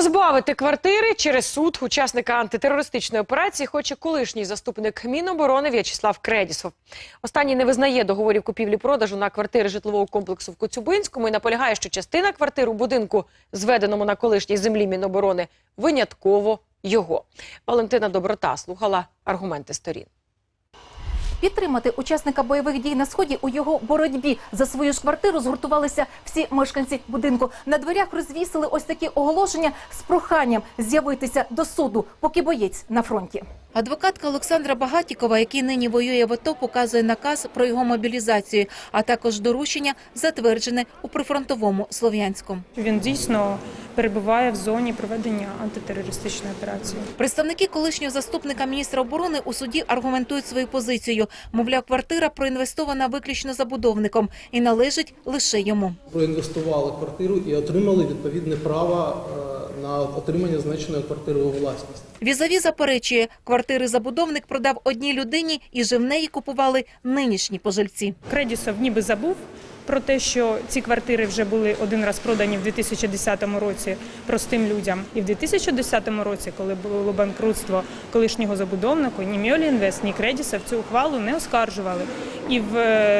Позбавити квартири через суд учасника антитерористичної операції хоче колишній заступник Міноборони В'ячеслав Кредісов. Останній не визнає договорів купівлі-продажу на квартири житлового комплексу в Коцюбинському і наполягає, що частина квартир у будинку, зведеному на колишній землі Міноборони, винятково його. Валентина Доброта слухала аргументи сторін. Підтримати учасника бойових дій на Сході у його боротьбі за свою ж квартиру згуртувалися всі мешканці будинку. На дверях розвісили ось такі оголошення з проханням з'явитися до суду, поки боєць на фронті. Адвокатка Олександра Багатікова, який нині воює в АТО, показує наказ про його мобілізацію, а також доручення, затверджене у прифронтовому Слов'янську. Він дійсно перебуває в зоні проведення антитерористичної операції. Представники колишнього заступника міністра оборони у суді аргументують свою позицію. Мовляв, квартира проінвестована виключно забудовником і належить лише йому. Проінвестували квартиру і отримали відповідне право на отримання зазначеної квартири у власність. Візаві заперечує, квартири забудовник продав одній людині і же в неї купували нинішні пожильці. Кредісов ніби забув про те, що ці квартири вже були один раз продані в 2010 році простим людям. І в 2010 році, коли було банкрутство колишнього забудовника, ні Мьолі Інвест, ні Кредісов цю ухвалу не оскаржували. І в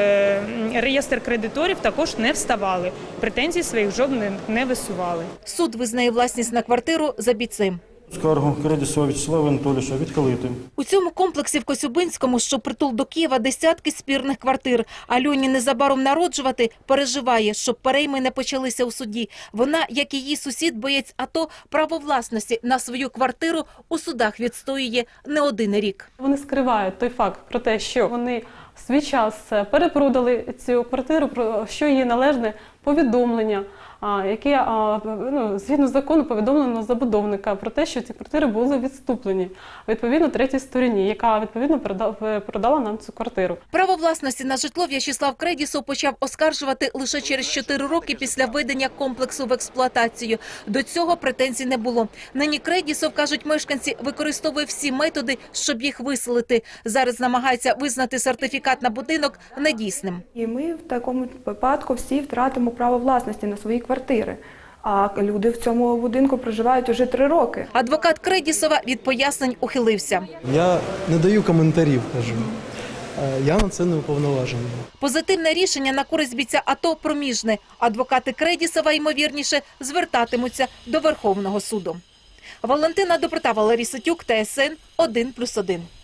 реєстр кредиторів також не вставали. Претензій своїх жодних не висували. Суд визнає власність на квартиру за бійцем. Скаргу Кредісова В'ячеслава Анатолійовича відхилити. У цьому комплексі в Коцюбинському, що притул до Києва, десятки спірних квартир. Альоні незабаром народжувати переживає, щоб перейми не почалися у суді. Вона, як і її сусід, боєць АТО, право власності на свою квартиру у судах відстоює не один рік. Вони скривають той факт про те, що вони в свій час перепродали цю квартиру, про що їй належне повідомлення, яке згідно закону повідомлено забудовника про те, що ці квартири були відступлені відповідно третій стороні, яка відповідно продала нам цю квартиру. Право власності на житло В'ячеслав Кредісов почав оскаржувати лише через 4 роки після введення комплексу в експлуатацію. До цього претензій не було. Нині Кредісов, кажуть мешканці, використовує всі методи, щоб їх виселити. Зараз намагається визнати сертифікат на будинок недійсним. І ми в такому випадку всі втратимо право власності на свої квартири. А люди в цьому будинку проживають уже 3 роки. Адвокат Кредісова від пояснень ухилився. Я не даю коментарів, кажу. Я на це не уповноважений. Позитивне рішення на користь бійця АТО проміжне. Адвокати Кредісова, ймовірніше, звертатимуться до Верховного суду. Валентина Доброта, Валерій Ситюк, ТСН 1+1.